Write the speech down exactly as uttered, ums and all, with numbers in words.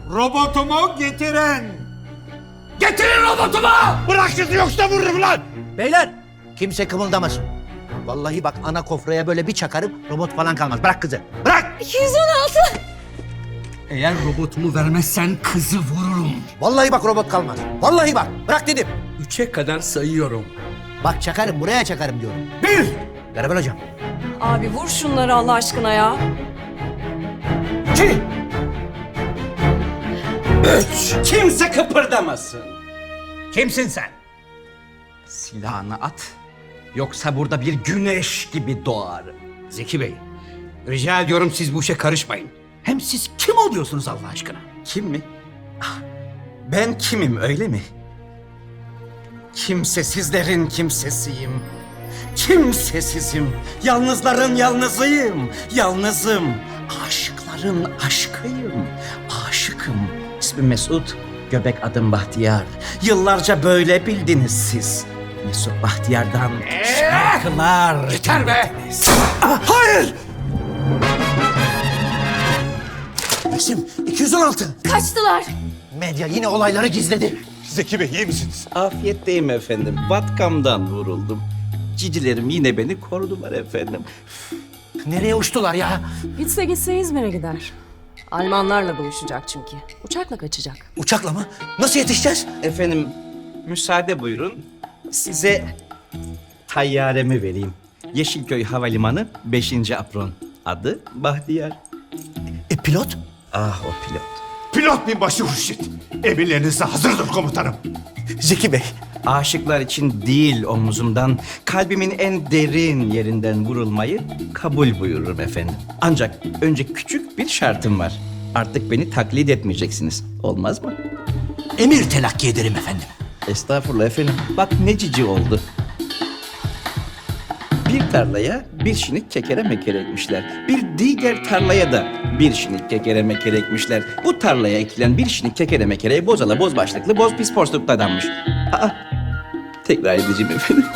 Robotumu getirin. Getirin robotumu! Bırak kızı yoksa vururum lan. Beyler kimse kımıldamasın. Vallahi bak ana kofraya böyle bir çakarım robot falan kalmaz. Bırak kızı. Bırak. iki yüz on altı. Eğer robotumu vermezsen kızı vururum. Vallahi bak robot kalmaz. Vallahi bak. Bırak dedim. Üçe kadar sayıyorum. Bak çakarım buraya çakarım diyorum. Bir! Garibel hocam. Abi vur şunları Allah aşkına ya. İki! Üç! Kimse kıpırdamasın. Kimsin sen? Silahını at. Yoksa burada bir güneş gibi doğarım. Zeki Bey, rica ediyorum siz bu işe karışmayın. Hem siz kim oluyorsunuz Allah aşkına? Kim mi? Ah, ben kimim öyle mi? Kimsesizlerin kimsesiyim. Kimsesizim. Yalnızların yalnızıyım. Yalnızım. Aşıkların aşkıyım. Aşıkım. İsmim Mesut. Göbek adım Bahtiyar. Yıllarca böyle bildiniz siz. Mesut Bahtiyar'dan şarkılar. Yeter be! Hayır! İsim iki yüz on altı. Kaçtılar. Medya yine olayları gizledi. Zeki Bey iyi misiniz? Afiyetteyim efendim. Vatkamdan vuruldum. Cicilerim yine beni korudular efendim. Nereye uçtular ya? Gitse gitse İzmir'e gider. Almanlarla buluşacak çünkü. Uçakla kaçacak. Uçakla mı? Nasıl yetişeceğiz? Efendim müsaade buyurun. Size tayyaremi vereyim. Yeşilköy Havalimanı beşinci apron. Adı Bahtiyar. E pilot? Ah o pilot. Pilot binbaşı Hurşit. Emirlerinize hazırdır komutanım. Zeki Bey. Aşıklar için değil omuzumdan, kalbimin en derin yerinden vurulmayı kabul buyururum efendim. Ancak önce küçük bir şartım var. Artık beni taklit etmeyeceksiniz. Olmaz mı? Emir telakki ederim efendim. Estağfurullah efendim. Bak ne cici oldu. Bir tarlaya bir şinik kekere mekere ekmişler. Bir diğer tarlaya da bir şinik kekere mekere ekmişler. Bu tarlaya ekilen bir şinik kekere mekereye bozala boz başlıklı boz pis porsluklu adammış. Aa, tekrar edeceğim efendim.